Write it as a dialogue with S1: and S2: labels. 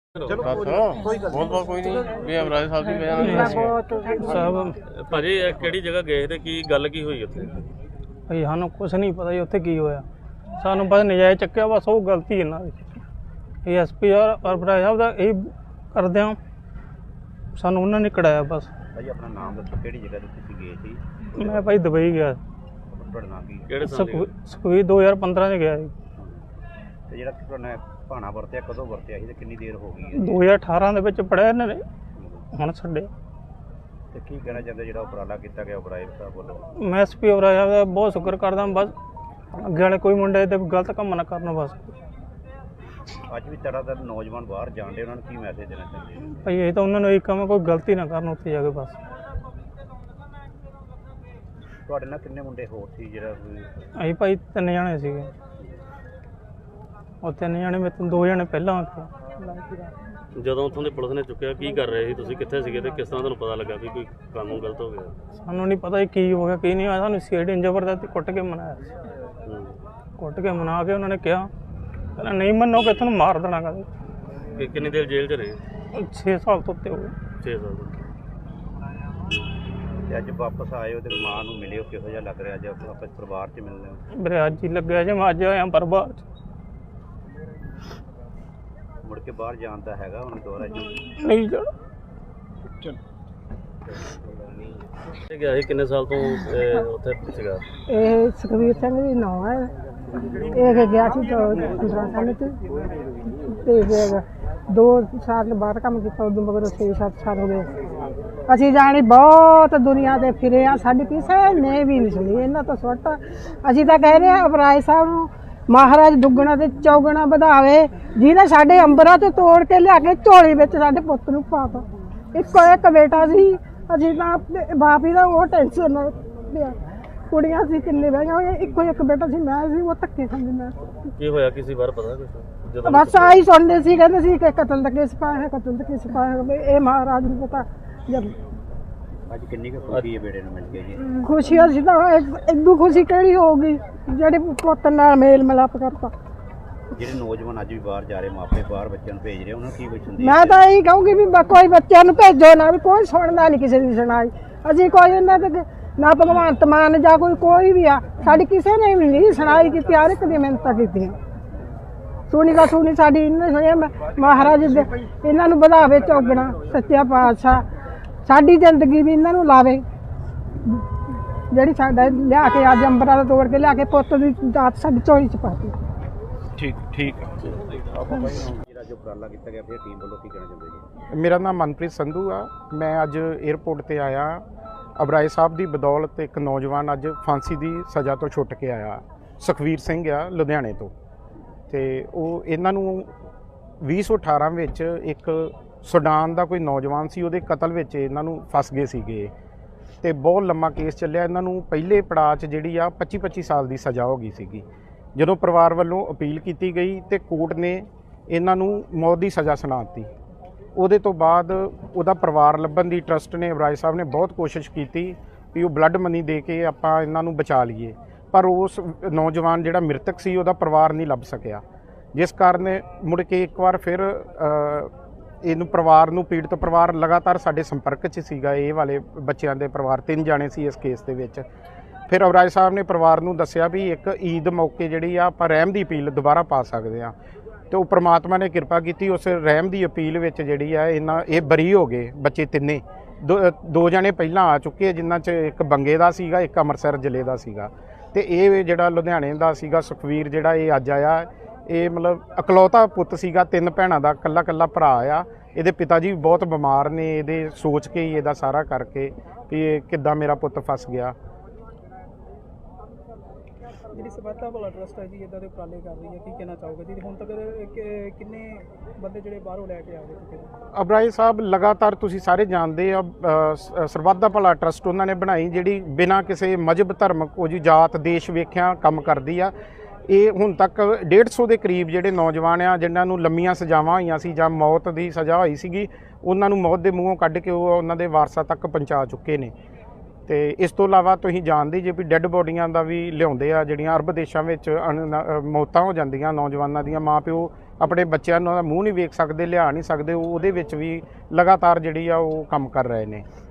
S1: ਚਲੋ ਬਹੁਤ ਕੋਈ ਨਹੀਂ ਵੀ ਅਮਰਾਜ ਸਾਹਿਬ ਦੀ ਵਜ੍ਹਾ ਨਾਲ
S2: ਸਾਹਿਬ
S3: ਭਾਜੀ ਇਹ ਕਿਹੜੀ ਜਗ੍ਹਾ ਗਏ ਤੇ ਕੀ ਗੱਲ ਕੀ ਹੋਈ ਉੱਥੇ?
S2: ਭਈ ਸਾਨੂੰ ਕੁਝ ਨਹੀਂ ਪਤਾ ਜੀ ਉੱਥੇ ਕੀ ਹੋਇਆ। ਸਾਨੂੰ ਬਸ ਨਜਾਇਜ਼ ਚੱਕਿਆ, ਬਸ ਉਹ ਗਲਤੀ ਇਹਨਾਂ ਦੀ। ਇਹ ਐਸਪੀ ਔਰ ਅਮਰਾਜ ਸਾਹਿਬ ਦਾ ਇਹ ਕਰਦੇ ਆ, ਸਾਨੂੰ ਉਹਨਾਂ ਨੇ ਕਢਾਇਆ ਬਸ।
S4: ਭਾਈ ਆਪਣਾ ਨਾਮ ਦੱਸੋ, ਕਿਹੜੀ ਜਗ੍ਹਾ ਤੇ ਤੁਸੀਂ ਗਏ ਸੀ?
S2: ਮੈਂ ਭਾਈ ਦੁਬਈ ਗਿਆ,
S4: ਤੁਹਾਡਾ ਨਾਮ ਕੀ?
S3: ਕਿਹੜੇ ਸਾਲ ਦੀ?
S2: ਸੁਖਵੀਰ 2015 ਚ ਗਿਆ ਜੀ।
S4: ਤੇ ਜਿਹੜਾ ਤੁਹਾਡਾ ਭਾਣਾ ਵਰਤਿਆ ਕਦੋਂ ਵਰਤਿਆ ਸੀ ਤੇ ਕਿੰਨੀ ਦੇਰ ਹੋ ਗਈ ਹੈ?
S2: 2018 ਦੇ ਵਿੱਚ ਪੜਿਆ ਇਹਨਾਂ ਨੇ, ਹੁਣ ਛੱਡਿਆ।
S4: ਤੇ ਕੀ ਕਹਿਣਾ ਚਾਹੁੰਦੇ ਜਿਹੜਾ ਉਪਰਾਲਾ ਕੀਤਾ ਗਿਆ ਅਮਰਾਜ ਸਾਹਿਬ ਵੱਲੋਂ?
S2: ਮੈਂ ਐਸਪੀ ਅਮਰਾਜ ਸਾਹਿਬ ਦਾ ਬਹੁਤ ਸ਼ੁਕਰ ਕਰਦਾ, ਬਸ ਅੱਗੇ ਵਾਲੇ ਕੋਈ ਮੁੰਡੇ ਤੇ ਗਲਤ ਕੰਮ ਨਾ ਕਰਨ ਬਸ।
S4: ਅੱਜ ਵੀ ਤਰ੍ਹਾਂ ਨੌਜਵਾਨ ਬਾਹਰ ਜਾਂਦੇ, ਉਹਨਾਂ ਨੂੰ ਕੀ ਮੈਸੇਜ ਦੇਣਾ ਚਾਹੁੰਦੇ ਹੋ?
S2: ਭਾਈ ਇਹ ਤਾਂ ਉਹਨਾਂ ਨੂੰ ਇਹ ਕੰਮ, ਕੋਈ ਗਲਤੀ ਨਾ ਕਰਨ ਉੱਥੇ ਜਾ ਕੇ ਬਸ।
S4: ਤੁਹਾਡੇ ਨਾਲ ਕਿੰਨੇ ਮੁੰਡੇ ਹੋਰ ਸੀ ਜਿਹੜਾ
S2: ਅਸੀਂ ਭਾਈ 3 ਜਣੇ ਸੀਗੇ, ਉਹ 3 ਜਣੇ ਮੇਰੇ ਤੋਂ 2 ਜਣੇ ਪਹਿਲਾਂ ਆਏ।
S3: ਜਦੋਂ ਉੱਥੋਂ ਦੇ ਪੁਲਿਸ ਨੇ ਚੁੱਕਿਆ ਕੀ ਕਰ ਰਹੇ ਸੀ ਤੁਸੀਂ, ਕਿੱਥੇ ਸੀਗੇ ਤੇ ਕਿਸ ਤਰ੍ਹਾਂ ਤੁਹਾਨੂੰ ਪਤਾ ਲੱਗਾ ਵੀ ਕੋਈ ਕੰਮ ਗਲਤ ਹੋ ਗਿਆ?
S2: ਸਾਨੂੰ ਨਹੀਂ ਪਤਾ ਕੀ ਹੋ ਗਿਆ ਕੀ ਨਹੀਂ ਹੋਇਆ। ਸਾਨੂੰ ਸੀਆਈਡੀ ਜ਼ਬਰਦਸਤੀ ਕੁੱਟ ਕੇ ਮਨਾਇਆ ਸੀ। ਕੁੱਟ ਕੇ ਮਨਾ ਕੇ ਉਹਨਾਂ ਨੇ ਕਿਹਾ ਕਹਿੰਦਾ ਨਹੀਂ ਮੰਨੋਗੇ ਤੁਹਾਨੂੰ ਮਾਰ ਦੇਣਾ। ਕਹਿੰਦੇ
S3: ਕਿੰਨੀ ਦੇਰ ਜੇਲ੍ਹ 'ਚ ਰਹੇ?
S2: 6 ਸਾਲ ਤੋਂ ਉੱਤੇ ਹੋ ਗਏ।
S3: 6 ਸਾਲ ਤੋਂ।
S4: ਤੇ ਅੱਜ ਵਾਪਸ ਆਏ ਹੋ ਤੇ ਮਾਂ ਨੂੰ ਮਿਲਿਓ, ਕਿਹੋ ਜਿਹਾ ਲੱਗ ਰਿਹਾ ਅੱਜ ਵਾਪਸ ਪਰਿਵਾਰ 'ਚ ਮਿਲਦੇ ਹੋ?
S2: ਮੇਰੇ ਅੱਜ ਹੀ ਲੱਗਿਆ ਜੇ ਮੈਂ ਅੱਜ ਆਇਆ ਪਰਿਵਾਰ 'ਚ।
S4: ਮੁੜ ਕੇ ਬਾਹਰ ਜਾਣ ਦਾ ਹੈਗਾ ਹੁਣ ਦੁਬਾਰਾ ਜੀ?
S2: ਨਹੀਂ ਜਾਣਾ।
S3: ਤੇ ਗਿਆ ਸੀ ਕਿੰਨੇ ਸਾਲ ਤੋਂ ਉੱਥੇ ਸੀਗਾ?
S5: ਇਹ ਸੁਖਵੀਰ ਸਿੰਘ ਦੀ ਨਾਂ ਹੈ। ਇਹ ਗਿਆ ਸੀ 15 ਸਾਲ ਤੇ ਫਿਰ 2 ਸਾਲ ਬਾਅਦ ਕੰਮ ਕੀਤਾ, ਉਦੋਂ ਮਗਰ 6-7 ਸਾਲ ਹੋ ਗਏ। ਅਸੀਂ ਜਾਣੀ ਬਹੁਤ ਦੁਨੀਆ ਤੇ ਫਿਰੇ ਆ, ਸਾਡੀ ਕਿਸੇ ਨੇ ਵੀ ਨਹੀਂ ਸੁਣੀ ਇਹਨਾਂ ਤੋਂ ਸੁੱਟ। ਅਸੀਂ ਤਾਂ ਕਹਿ ਰਹੇ ਆ ਅਮਰਾਜ ਸਾਹਿਬ ਨੂੰ ਮਹਾਰਾਜ ਦੁੱਗਣਾ ਤੇ ਚੌਗਣਾ ਵਧਾਵੇ, ਜਿਹਨੇ ਸਾਡੇ ਅੰਬਰਾਂ ਤੋਂ ਤੋੜ ਕੇ ਲਿਆ ਕੇ ਝੋਲੀ ਵਿੱਚ ਸਾਡੇ ਪੁੱਤ ਨੂੰ ਪਾਤਾ। ਇੱਕੋ ਇੱਕ ਬੇਟਾ ਸੀ, ਅਸੀਂ ਤਾਂ ਬਾਪ ਹੀ ਦਾ ਉਹ ਟੈਨਸ਼ਨ ਨਾਲ ਪਿਆ। ਕੁੜੀਆਂ ਸੀ ਕਿੰਨੇ ਬਹਿ ਗਈਆਂ, ਇੱਕੋ ਇੱਕ ਬੇਟਾ ਸੀ, ਮੈਂ ਸੀ ਉਹ ਧੱਕੇ ਖਾਂਦੀ। ਮੈਂ
S3: ਕੀ ਹੋਇਆ ਕਿਸੇ ਵਾਰ ਪਤਾ ਕੁਛ ਜਦੋਂ?
S5: ਬਸ ਆਹੀ ਸੁਣਦੇ ਸੀ, ਕਹਿੰਦੇ ਸੀ ਕਿ ਕਤਲ ਦਾ ਕੇਸ ਪਾਇਆ ਹੈ, ਕਤਲ ਦਾ ਕੇਸ ਪਾਇਆ ਹੈ। ਇਹ ਮਹਾਰਾਜ ਨੂੰ ਪਤਾ। ਜਦ
S4: ਅੱਜ ਕਿੰਨੀ ਕੁ ਖੁਸ਼ੀ ਹੈ ਬੇੜੇ ਨੂੰ ਮਿਲ ਕੇ ਜੀ?
S5: ਖੁਸ਼ੀ ਅਸੀਂ ਤਾਂ ਇਦੋਂ ਖੁਸ਼ੀ ਕਿਹੜੀ ਹੋਊਗੀ ਜਿਹੜੇ ਪੁੱਤ ਨਾਲ ਮੇਲ ਮਿਲਾਪ ਕਰਤਾ।
S4: ਜਿਹੜੇ ਨੌਜਵਾਨ ਅੱਜ ਵੀ ਬਾਹਰ ਜਾ ਰਹੇ, ਮਾਪੇ ਬਾਹਰ ਬੱਚਿਆਂ ਨੂੰ ਭੇਜ ਰਹੇ, ਉਹਨਾਂ ਨੂੰ ਕੀ ਕੁਛ ਹੁੰਦੀ?
S5: ਮੈਂ ਤਾਂ ਇਹੀ ਕਹੂੰਗੀ ਵੀ ਕੋਈ ਬੱਚਿਆਂ ਨੂੰ ਭੇਜੋ ਨਾ, ਵੀ ਕੋਈ ਸੁਣਦਾ ਨਹੀਂ ਕਿਸੇ ਦੀ ਸੁਣਾਈ। ਅਸੀਂ ਕੋਈ ਇਹਨਾਂ ਤੇ ਨਾ ਭਗਵੰਤ ਮਾਨ ਜਾਂ ਕੋਈ ਵੀ ਆ, ਸਾਡੀ ਕਿਸੇ ਨੇ ਵੀ ਨਹੀਂ ਸੁਣਾਈ ਕੀਤੀ। ਹਰ ਇੱਕ ਦੀ ਮਿਹਨਤਾਂ ਕੀਤੀਆਂ, ਸੁਣੀ ਦਾ ਸੁਣੀ ਸਾਡੀ ਇਹਨੇ ਸੁਣਿਆ। ਮਹਾਰਾਜ ਦੇ ਇਹਨਾਂ ਨੂੰ ਵਧਾਵੇ ਚੌਗਣਾ, ਸੱਚਾ ਪਾਤਸ਼ਾਹ ਸਾਡੀ ਜ਼ਿੰਦਗੀ ਵੀ ਇਹਨਾਂ ਨੂੰ ਲਾਵੇ। ਜਿਹੜੀ ਸਾਡਾ ਲਿਆ ਕੇ ਅੱਜ ਅੰਬਰਾਂ ਦਾ ਤੋੜ ਕੇ ਲਿਆ ਕੇ ਪੁੱਤ ਦੀ ਦਾਤ ਸਾਡੀ ਝੋਲੀ 'ਚ ਪਾਤੀ।
S1: ਠੀਕ
S4: ਜਿਹੜਾ ਜੋ ਉਪਰਾਲਾ ਕੀਤਾ ਗਿਆ ਫਿਰ ਟੀਮ ਵੱਲੋਂ ਕੀ ਕਹਿਣਾ ਚਾਹੁੰਦੇ ਜੀ?
S6: ਮੇਰਾ ਨਾਮ ਮਨਪ੍ਰੀਤ ਸੰਧੂ ਆ। ਮੈਂ ਅੱਜ 에ਅਰਪੋਰਟ ਤੇ ਆਇਆ। ਅਮਰਾਜ ਸਾਹਿਬ ਦੀ ਬਦੌਲਤ ਇੱਕ ਨੌਜਵਾਨ ਅੱਜ ਫਾਂਸੀ ਦੀ ਸਜ਼ਾ ਤੋਂ ਛੁੱਟ ਕੇ ਆਇਆ। ਸੁਖਵੀਰ ਸਿੰਘ ਆ ਲੁਧਿਆਣੇ ਤੋਂ, ਤੇ ਉਹ ਇਹਨਾਂ ਨੂੰ 2018 ਵਿੱਚ ਇੱਕ ਸੁਡਾਨ ਦਾ ਕੋਈ ਨੌਜਵਾਨ ਸੀ, ਉਹਦੇ ਕਤਲ ਵਿੱਚ ਇਹਨਾਂ ਨੂੰ ਫਸ ਗਏ ਸੀਗੇ ਤੇ ਬਹੁਤ ਲੰਮਾ ਕੇਸ ਚੱਲਿਆ। ਇਹਨਾਂ ਨੂੰ ਪਹਿਲੇ ਪੜਾਅ 'ਚ ਜਿਹੜੀ ਆ 25-25 ਸਾਲ ਦੀ ਸਜ਼ਾ ਹੋ ਗਈ ਸੀਗੀ। ਜਦੋਂ ਪਰਿਵਾਰ ਵੱਲੋਂ ਅਪੀਲ ਕੀਤੀ ਗਈ ਤੇ ਕੋਰਟ ਨੇ ਇਹਨਾਂ ਨੂੰ ਮੌਤ ਦੀ ਸਜ਼ਾ ਸੁਣਾ ਦਿੱਤੀ। ਉਹਦੇ ਤੋਂ ਬਾਅਦ ਉਹਦਾ ਪਰਿਵਾਰ ਲੱਭਣ ਦੀ ਟਰਸਟ ਨੇ, ਅਮਰਾਜ ਸਾਹਿਬ ਨੇ ਬਹੁਤ ਕੋਸ਼ਿਸ਼ ਕੀਤੀ ਵੀ ਉਹ ਬਲੱਡ ਮਨੀ ਦੇ ਕੇ ਆਪਾਂ ਇਹਨਾਂ ਨੂੰ ਬਚਾ ਲਈਏ, ਪਰ ਉਸ ਨੌਜਵਾਨ ਜਿਹੜਾ ਮ੍ਰਿਤਕ ਸੀ ਉਹਦਾ ਪਰਿਵਾਰ ਨਹੀਂ ਲੱਭ ਸਕਿਆ, ਜਿਸ ਕਾਰਨ ਮੁੜ ਕੇ ਇੱਕ ਵਾਰ ਫਿਰ ਇਹਨੂੰ ਪਰਿਵਾਰ ਨੂੰ, ਪੀੜਤ ਪਰਿਵਾਰ ਲਗਾਤਾਰ ਸਾਡੇ ਸੰਪਰਕ 'ਚ ਸੀਗਾ। ਇਹ ਵਾਲੇ ਬੱਚਿਆਂ ਦੇ ਪਰਿਵਾਰ 3 ਜਾਣੇ ਸੀ ਇਸ ਕੇਸ ਦੇ ਵਿੱਚ। ਫਿਰ ਅਮਰਾਜ ਸਾਹਿਬ ਨੇ ਪਰਿਵਾਰ ਨੂੰ ਦੱਸਿਆ ਵੀ ਇੱਕ ਈਦ ਮੌਕੇ ਜਿਹੜੀ ਆ ਆਪਾਂ ਰਹਿਮ ਦੀ ਅਪੀਲ ਦੁਬਾਰਾ ਪਾ ਸਕਦੇ ਹਾਂ, ਤੇ ਉਹ ਪ੍ਰਮਾਤਮਾ ਨੇ ਕਿਰਪਾ ਕੀਤੀ। ਉਸ ਰਹਿਮ ਦੀ ਅਪੀਲ ਵਿੱਚ ਜਿਹੜੀ ਆ ਇਹ ਬਰੀ ਹੋ ਗਏ ਬੱਚੇ ਤਿੰਨੇ। 2 ਜਣੇ ਪਹਿਲਾਂ ਆ ਚੁੱਕੇ, ਜਿਨ੍ਹਾਂ 'ਚ ਇੱਕ ਬੰਗੇ ਦਾ ਸੀਗਾ, ਇੱਕ ਅੰਮ੍ਰਿਤਸਰ ਜ਼ਿਲ੍ਹੇ ਦਾ ਸੀਗਾ, ਤੇ ਇਹ ਜਿਹੜਾ ਲੁਧਿਆਣੇ ਦਾ ਸੀਗਾ ਸੁਖਵੀਰ, ਜਿਹੜਾ ਇਹ ਅੱਜ ਆਇਆ। ਇਹ ਮਤਲਬ ਇਕਲੌਤਾ ਪੁੱਤ ਸੀਗਾ, 3 ਭੈਣਾਂ ਦਾ ਇਕੱਲਾ ਭਰਾ ਆ। ਇਹਦੇ ਪਿਤਾ ਜੀ ਵੀ ਬਹੁਤ ਬਿਮਾਰ ਨੇ। ਇਹਦੇ ਸੋਚ ਕੇ ਹੀ ਇਹਦਾ ਸਾਰਾ ਕਰਕੇ ਵੀ ਇਹ ਕਿੱਦਾਂ ਮੇਰਾ ਪੁੱਤ ਫਸ ਗਿਆ।
S2: ਜਿਹੜੀ ਸਵਾਤਾ ਭਲਾ ਟਰਸਟ ਹੈ ਜੀ ਇਦਾਂ ਦੇ ਉਪਰਾਲੇ ਕਰ ਰਹੀ ਹੈ, ਕੀ ਕਹਿਣਾ ਚਾਹੋਗੇ ਜੀ? ਹੁਣ ਤੱਕ ਕਿੰਨੇ ਬੰਦੇ ਜਿਹੜੇ ਬਾਹਰੋਂ ਲੈ ਕੇ ਆ ਗਏ?
S6: ਅਮਰਾਜ ਸਾਹਿਬ ਲਗਾਤਾਰ, ਤੁਸੀਂ ਸਾਰੇ ਜਾਣਦੇ ਆ, ਸਰਬੱਤ ਦਾ ਭਲਾ ਟਰਸਟ ਉਹਨਾਂ ਨੇ ਬਣਾਈ, ਜਿਹੜੀ ਬਿਨਾਂ ਕਿਸੇ ਮਜ਼ਹਬ ਧਰਮ ਕੋਈ ਜਾਤ ਦੇਸ਼ ਵੇਖਿਆ ਕੰਮ ਕਰਦੀ ਆ। ਇਹ ਹੁਣ ਤੱਕ 150 ਦੇ ਕਰੀਬ ਜਿਹੜੇ ਨੌਜਵਾਨ ਆ ਜਿਨ੍ਹਾਂ ਨੂੰ ਲੰਮੀਆਂ ਸਜ਼ਾਵਾਂ ਹੋਈਆਂ ਸੀ ਜਾਂ ਮੌਤ ਦੀ ਸਜ਼ਾ ਹੋਈ ਸੀਗੀ, ਉਹਨਾਂ ਨੂੰ ਮੌਤ ਦੇ ਮੂੰਹੋਂ ਕੱਢ ਕੇ ਉਹ ਉਹਨਾਂ ਦੇ ਵਾਰਸਾਂ ਤੱਕ ਪਹੁੰਚਾ ਚੁੱਕੇ ਨੇ। ਤੇ ਇਸ ਤੋਂ ਇਲਾਵਾ ਤੁਸੀਂ ਜਾਣਦੇ ਜੇ ਵੀ ਡੈੱਡ ਬੋਡੀਆਂ ਦਾ ਵੀ ਲਿਆਉਂਦੇ ਆ, ਜਿਹੜੀਆਂ ਅਰਬ ਦੇਸ਼ਾਂ ਵਿੱਚ ਮੌਤਾਂ ਹੋ ਜਾਂਦੀਆਂ ਨੌਜਵਾਨਾਂ ਦੀਆਂ, ਮਾਂ ਪਿਓ ਆਪਣੇ ਬੱਚਿਆਂ ਨੂੰ ਦਾ ਮੂੰਹ ਨਹੀਂ ਵੇਖ ਸਕਦੇ, ਲਿਆ ਨਹੀਂ ਸਕਦੇ, ਉਹਦੇ ਵਿੱਚ ਵੀ ਲਗਾਤਾਰ ਜਿਹੜੀ ਆ ਉਹ ਕੰਮ ਕਰ ਰਹੇ ਨੇ।